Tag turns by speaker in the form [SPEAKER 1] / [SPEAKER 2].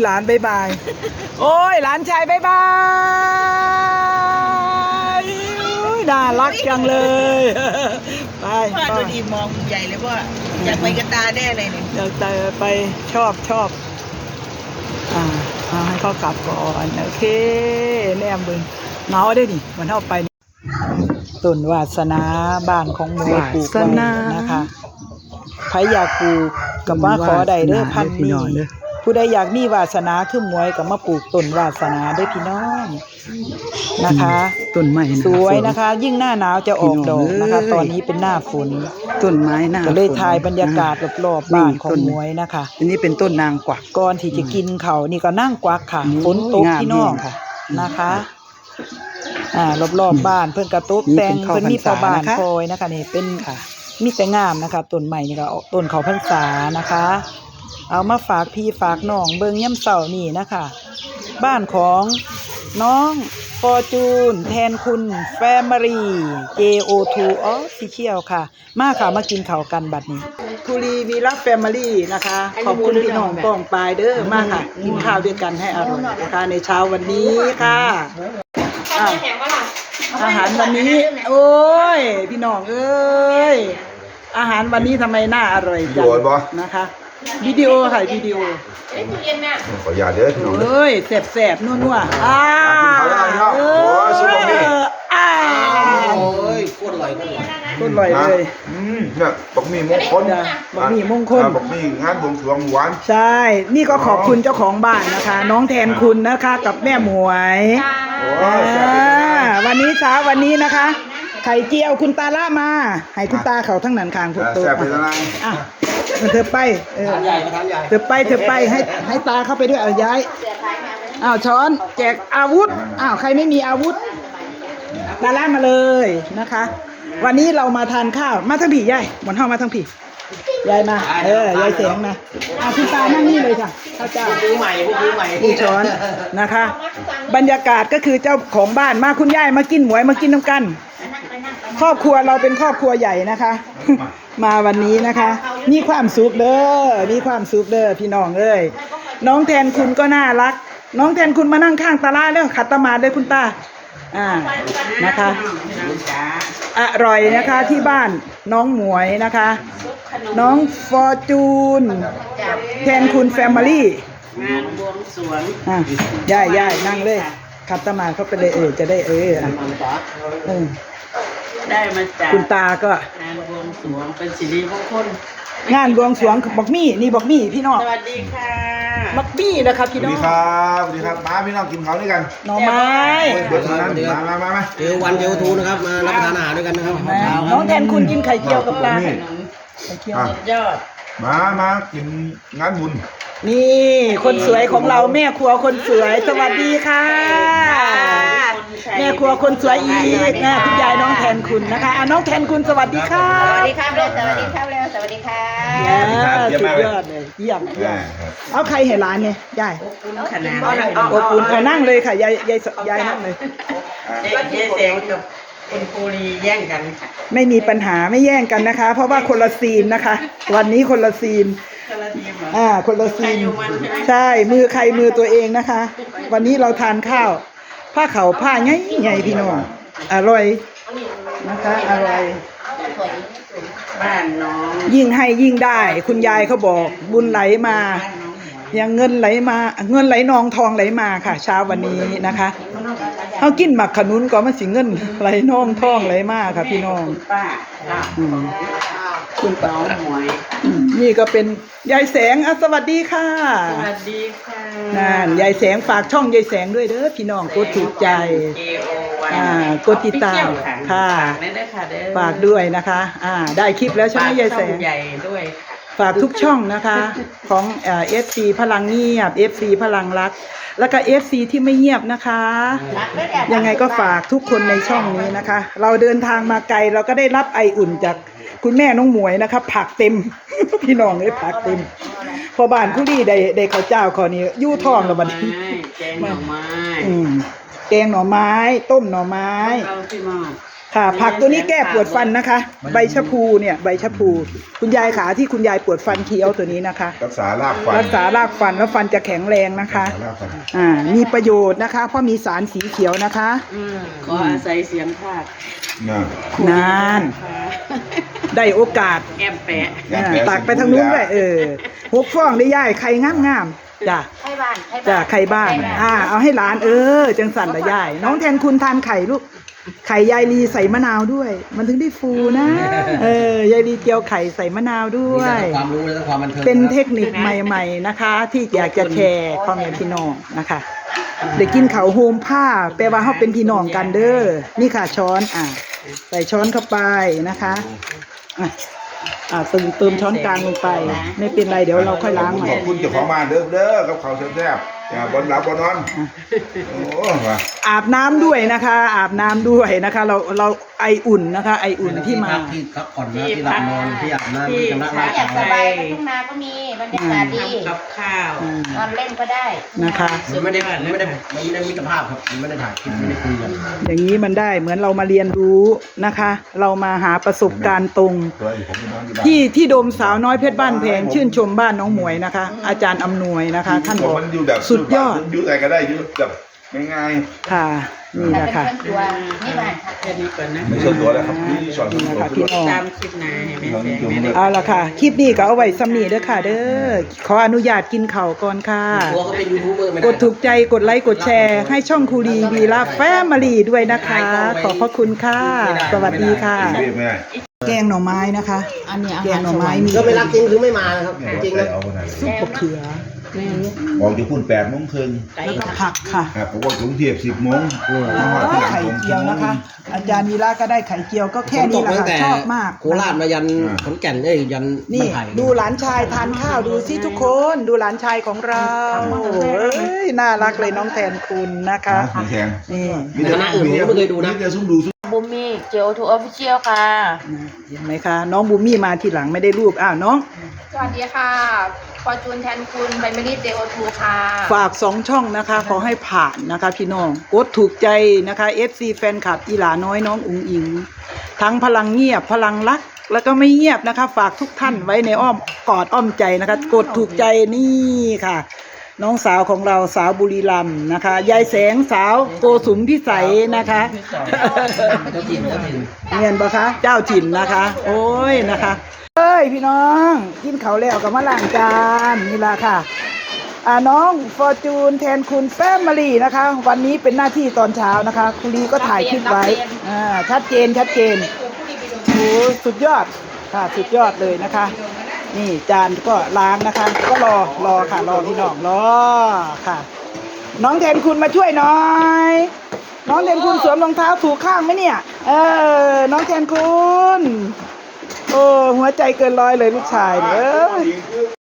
[SPEAKER 1] หลานบายบายโอ้ยหลานชายบายบายน่ารักจังเลยไป
[SPEAKER 2] พ่อตัวดีมองใหญ่เลยว่าอยากไปกระตาแน่เลยเนี่ย
[SPEAKER 1] อยากไปชอบให้เขากลับก่อนโอเคแนมบึงเนาได้ดิมันเท่าไปต้นวาสนาบ้านของหมูปลูกไว้นะคะใครอยากปลูกกับว่าขอใดเด้อพันนี้ผู้ใดอยากมีวาสนาขึ้นมวยกับมาปลูกต้นวาสนาได้พี่น้องนะคะ
[SPEAKER 3] ต้นไม้
[SPEAKER 1] สวยนะคะยิ่งหน้าหนาวจะออกดอกนะคะตอนนี้เป็นหน้าฝน
[SPEAKER 3] ต้นไม้หน้า
[SPEAKER 1] ก็เลยถ่ายบรรยากาศรอบๆบ้านของมวยนะคะ
[SPEAKER 3] อันนี้เป็นต้นนางกวัก
[SPEAKER 1] ก่อนที่จะกินเขานี่ก็นั่งกวักค่ะฝนตกพี่น้องค่ะนะคะรอบๆบ้านเพิ่นกระตุกแต่งเพิ่นมีพ่อบ้านคอยนะคะนี่เป็นมีแต่งามนะคะต้นใหม่นี่ก็ต้นเขาพรรษานะคะเอามาฝากพี่ฝากน้องเบิ่งย่ำเสานี่นะคะบ้านของน้องฟอร์จูนแทนคุณแฟมิลี่ JO2 Official ค่ะมาค่ะมากินข้าวกันบัดนี้คุรีวีรักแฟมิลี่นะคะขอบคุณพี่น้องป้องปลายเด้อมาค่ะกินข้าวด้วยกันให้อร่อยนะคะในเช้าวันนี้ค่ะอาหารวันนี้โอ้ยพี่น้องเอ้ยอาหารวันนี้ทำไมน่าอร่อยจังนะคะวิดีโอค่ะวิดีโอ
[SPEAKER 4] ขออย่าเด้อพี่น้อง
[SPEAKER 1] เอ้ยแสบๆนัวๆ
[SPEAKER 4] โอ้ยสุดยอด
[SPEAKER 3] โอ้ยโคตรอร่อย
[SPEAKER 1] เลย
[SPEAKER 4] เนี่ยบักหมี่มงคล
[SPEAKER 1] บักหมี่มงคล
[SPEAKER 4] บักหมี่งานบวงสรวงหวาน
[SPEAKER 1] ใช่นี่ก็ขอบคุณเจ้าของบ้านนะคะน้องแทนคุณนะคะกับแม่หมวยวันนี้เช้าวันนี้นะคะไข่เจียวคุณตาล่ามาให้คุณตาเขาทั้งนั้นคางทุกตัวเธอไปเธอไปให้ตาเข้าไปด้วยเอาย้ายช้อนแจกอาวุธใครไม่มีอาวุธตาล่ามาเลยนะคะวันนี้เรามาทานข้าวมาทั้งผียายหมอนห้องมาทั้งผียายมายายเสียงนะคุณตานั่งนี่เลยค่ะข้าวเจ้าผู้ใหม่นี่ช้อนนะคะบรรยากาศก็คือเจ้าของบ้านมาคุณยายมากินหมวยมากินน้ำกันครอบครัวเราเป็นครอบครัวใหญ่นะคะมาวันนี้นะคะมีความสุขเด้อพี่น้องเอ้ยน้องแทนคุณก็น่ารักน้องแทนคุณมานั่งข้างตาล่าแล้วขัดตมาเลยคุณตานะคะอร่อยนะคะที่บ้านน้องหมวยนะคะน้องฟอร์จูนแทนคุณแฟมิลี่
[SPEAKER 2] งานบวงสรวง
[SPEAKER 1] ย่ายนั่งเลยขัดตมาเข้าไปเลยจะได้
[SPEAKER 2] ได้มาจาก
[SPEAKER 1] คุณตาก็
[SPEAKER 2] งานบวงสรวงเป็นสิริมงคล
[SPEAKER 1] งานบวงสรวงบักมี่นี่บักมี่พี่น้อง
[SPEAKER 2] สวัสดีค่ะ
[SPEAKER 1] บักมี่นะครับพี่น้อง
[SPEAKER 4] สวัสดีครับมาพี่น้องกินข้าวด้วยกัน
[SPEAKER 1] หน่อไม้
[SPEAKER 4] เดี๋ยวนั้นมา
[SPEAKER 3] เจอวันเจอทูนะครับมารับประทานอาหารด้วยกันนะครับ
[SPEAKER 1] น้องแทนคุณกินไข่เจียวกับปลาไข่เจียวยอด
[SPEAKER 4] มากินงานบุญ
[SPEAKER 1] นี่คนสวยของเราแม่ครัวคนสวยสวัสดีค่ะแม่ครัวคนสวยอีกนะคุณยายน้องแทนคุณนะคะน้องแทนคุณสวัสดีค่ะ
[SPEAKER 2] สวัสดีครับสวัสดีครับสวัสดีค่ะ
[SPEAKER 1] สุดยอดเลยเยี่ยมเอาใครให้ร้านเนี่ยยาย
[SPEAKER 2] ขนาด
[SPEAKER 1] อบอุ่นนั่งเลยค่ะยายนั่งเลย
[SPEAKER 2] ยายแสงกับคุณภูรีแย่งกันค่ะ
[SPEAKER 1] ไม่มีปัญหาไม่แย่งกันนะคะเพราะว่าคนละซีนนะคะวันนี้คนละซีนคนละซีนใช่มือใครมือตัวเองนะคะวันนี้เราทานข้าวผ้าเขาผ้าใหญ่พี่น้องอร่อยนะคะอร่อย
[SPEAKER 2] บ้านน้อง
[SPEAKER 1] ยิ่งให้ยิ่งได้คุณยายเขาบอกบุญไหลมาอย่างเงินไหลมาเงินไหลนองทองไหลมาค่ะเช้าวันนี้นะคะเขากินหมักขนุนก็มันสิเงินไหลนองทองไหลมาค่ะพี่น้อง
[SPEAKER 2] คุณป้าหมวย
[SPEAKER 1] นี่ก็เป็นยายแสงสวัสดีค่ะ
[SPEAKER 2] สวัสดีค่ะ
[SPEAKER 1] นั่นยายแสงฝากช่องยายแสงด้วยเด้อพี่น้องกดถูกใจกดติดตามค่ะฝากด้วยนะคะได้คลิปแล้วใช่ไหมยายแสง
[SPEAKER 2] ใหญ่ด้วย
[SPEAKER 1] ฝากทุกช่องนะคะของFC พลังเงียบ FC พลังรักแล้วก็ FC ที่ไม่เงียบนะคะยังไงก็ฝากทุกคนในช่องนี้นะคะเราเดินทางมาไกลเราก็ได้รับไออุ่นจากคุณแม่น้องหมวยนะคะผักเต็มพี่น้องเลยผักเต็มพอบ้านผู้ดีได้ข้าวเจ้าขอนี้ยู่ท้องแล้วบัดนี้
[SPEAKER 2] แกงหน่อไม้
[SPEAKER 1] แกงหน่อไม้ต้มหน่อไม้ค่ะผักตัวนี้แก้ปวดฟันนะคะ ใบชะพูเนี่ยใบชะพูคุณยายขาที่คุณยายปวดฟันเคี้ยวตัวนี้นะคะ
[SPEAKER 4] รักษารากฟัน
[SPEAKER 1] รักษารากฟันแล้วฟันจะแข็งแรงนะคะ
[SPEAKER 4] รักษารากฟัน
[SPEAKER 1] มีประโยชน์นะคะ เพราะมีสารสีเขียวนะคะ
[SPEAKER 2] ขออาศัยเสียงภาค
[SPEAKER 4] น่ะ
[SPEAKER 1] นานได้โอกาส
[SPEAKER 2] แอมแปะ
[SPEAKER 1] ตักไปทางนู้นด้วย6 ฟองได้ย่ายไข่งามๆจ้ะ
[SPEAKER 5] ไข่บ้าน
[SPEAKER 1] จ้ะไข่บ้านเอาให้หลานจังสันละย่ายน้องแทนคุณทานไข่ลูกไข่ยายลีใส่มะนาวด้วย มันถึงได้ฟูนะยายลีเจียวไข่ใส่มะนาวด้ว
[SPEAKER 3] มี
[SPEAKER 1] ย
[SPEAKER 3] แต่ความรู้และความบันเทิง
[SPEAKER 1] เป็นเทคนิคใหม่ๆนะคะ ที่อยากจะแชร์พ่อแม่พี่น้องนะคะเด็กกินเขาวโฮมผ้าแปลว่าเขาเป็นพี่น้องกันเด้อนี่ค่ะช้อนใส่ช้อนเข้าไปนะคะเติมช้อนกลางลงไป ไม่เป็นไรเดี๋ยวเราค่อยล้างใหม่
[SPEAKER 4] ขอบคุณเจ้าของบ้านเด้อกับเขาวแซ่บๆอย่าบนหลับบนนอนโอ้ว่ะ
[SPEAKER 1] อาบน้ำด้วยนะคะ อาบน้ำด้วยนะคะ เราไออุ่นนะคะ ไออุ่นที่มา
[SPEAKER 3] ที่พักผ่อนนะที่หลับนอนที่อาบน้ำที่ชำระร่าง
[SPEAKER 5] อยากส
[SPEAKER 3] กาย
[SPEAKER 5] บายก็ทุ่งนาก็มีบรรยากาศดี
[SPEAKER 2] ทำกับข้าว
[SPEAKER 5] นอนเล่นก็ได้
[SPEAKER 1] นะคะ
[SPEAKER 3] ไม่ได้มิตรภาพครับไม่ได้ถ่ายคลิปไม่ได้คุยกัน
[SPEAKER 1] อย่างนี้มันได้เหมือนเรามาเรียนรู้นะคะ เรามาหาประสบการณ์ตรง
[SPEAKER 4] ตัวอีกผมไปนอนที่บ้าน
[SPEAKER 1] ที่โดมสาวน้อยเพชรบ้านแพงชื่นชมบ้านน้องหมวยนะคะ อาจารย์อำนวยนะคะ ท่านบอก
[SPEAKER 4] มันอยู่แบบ
[SPEAKER 1] สุดยอด
[SPEAKER 4] อยู่ไหนก็ได้อยู่แบบง่าย
[SPEAKER 1] ค่ะนี่
[SPEAKER 5] แต่
[SPEAKER 1] นะ
[SPEAKER 5] เป็น
[SPEAKER 1] คะ
[SPEAKER 5] เครื่องครัวนี่บ้านค่ะ
[SPEAKER 2] แค่นี้ก่อนนะ
[SPEAKER 4] ๆไม่ใช่ตัวแล้วครับนี่สอน
[SPEAKER 1] นี่นะคะพี่
[SPEAKER 4] ตัว
[SPEAKER 1] น้อง
[SPEAKER 2] ตามคลิปหนาให้แม่แสงแม่ได้
[SPEAKER 1] เอาละค่ะ คลิปนี้ก็เอาไว้ซ้ำนี้เด้อค่ะ เด้อขออนุญาตกินข้าวก่อนค่ะ
[SPEAKER 3] ตัวเขาเป็นยูทูบเบอร์ไม่ได้
[SPEAKER 1] กดถูกใจกดไลค์กดแชร์ ให้ช่องคูรีวีลาแฟมิลี่ด้วยนะคะ ขอบพระคุณค่ะ สวัสดีค่ะ
[SPEAKER 4] ไม่ได้
[SPEAKER 1] แกงหน่อไม้นะคะ
[SPEAKER 5] อันนี้อา
[SPEAKER 1] แก
[SPEAKER 5] หาง ร
[SPEAKER 1] หน่อ
[SPEAKER 5] สวร
[SPEAKER 1] ไม้
[SPEAKER 5] รค์
[SPEAKER 1] มี
[SPEAKER 3] ก็ไม่รักจริงหรือไม่มานะครับจริงๆนะ
[SPEAKER 4] เอาคนไหนเลย
[SPEAKER 1] ซุปมะเขือ
[SPEAKER 4] บอกจะพูด8 โมงครึ่ง
[SPEAKER 1] แล้วก็ผักค่ะ
[SPEAKER 4] ครับผมว่าถึงเทียบ10 โมงมาว่าที่หลัง
[SPEAKER 1] ไข่
[SPEAKER 4] ผม
[SPEAKER 1] เจียวนะคะ อาจารย์วีระก็ได้ไข่เจียวก็แค่นี้แหละ
[SPEAKER 3] ตั้ง
[SPEAKER 1] ค่ะ
[SPEAKER 3] แต่
[SPEAKER 1] ชอบมาก
[SPEAKER 3] โคราชมายันขอนแก่นยัน
[SPEAKER 1] นี่
[SPEAKER 3] บ้าไผ่
[SPEAKER 1] ดูหลานชายทานข้าวดูสิทุกคนดูหลานชายของเราเอ้ยน่ารักเลยน้องแทนคุณนะคะ
[SPEAKER 4] แข็ง
[SPEAKER 1] นี่
[SPEAKER 3] คณะอื่นผมก็ไม่เคยดูนะ
[SPEAKER 4] มีแต่ซุ่มดูซุ่ม
[SPEAKER 5] บูมมี่เจลทูออฟฟิเชียลค่ะ
[SPEAKER 1] เห็นไหมคะน้องบูมี่มาทีหลังไม่ได้รูปน้อง
[SPEAKER 5] สวัสดีค่ะฟอร์จูนแทนคุณไบเมลี่เจลทูค่ะ
[SPEAKER 1] ฝาก2 ช่องนะคะ ขอให้ผ่านนะคะพี่น้องกดถูกใจนะคะ FC แฟนคลับอีหลาน้อยน้องอุ๋งอิง ทั้งพลังเงียบพลังรักแล้วก็ไม่เงียบนะคะ ฝากทุกท่านไว้ในอ้อมกอดอ้อมใจนะคะ กดถูกใจนี่ค่ะ น้องสาวของเราสาวบุรีรัมย์นะคะยายแสงสาวโกสุมพิสัยนะคะ
[SPEAKER 3] เจ้าถิ่น
[SPEAKER 1] เงียนปะคะเจ้าถิ่นนะคะ โอ้ยนะคะเอ้ยพี่น้องกินเขาวแล้วกับมาล้างจานนี่ละค่ะน้องฟอร์จูนแทนคุณแฟมิลี่นะคะ วันนี้เป็นหน้าที่ตอนเช้านะคะคุรีก็ถ่ายคลิปไว้ชัดเจนโอ้สุดยอดค่ะสุดยอดเลยนะคะ นี่จานก็ล้างนะคะ ก็รอค่ะรอพี่น้องรอค่ะ น้องแทนคุณมาช่วยหน่อย น้องแทนคุณสวมรองเท้าถูกข้างไหมเนี่ยน้องแทนคุณโอ้หัวใจเกินร้อยเลยลูกชายเนี่ย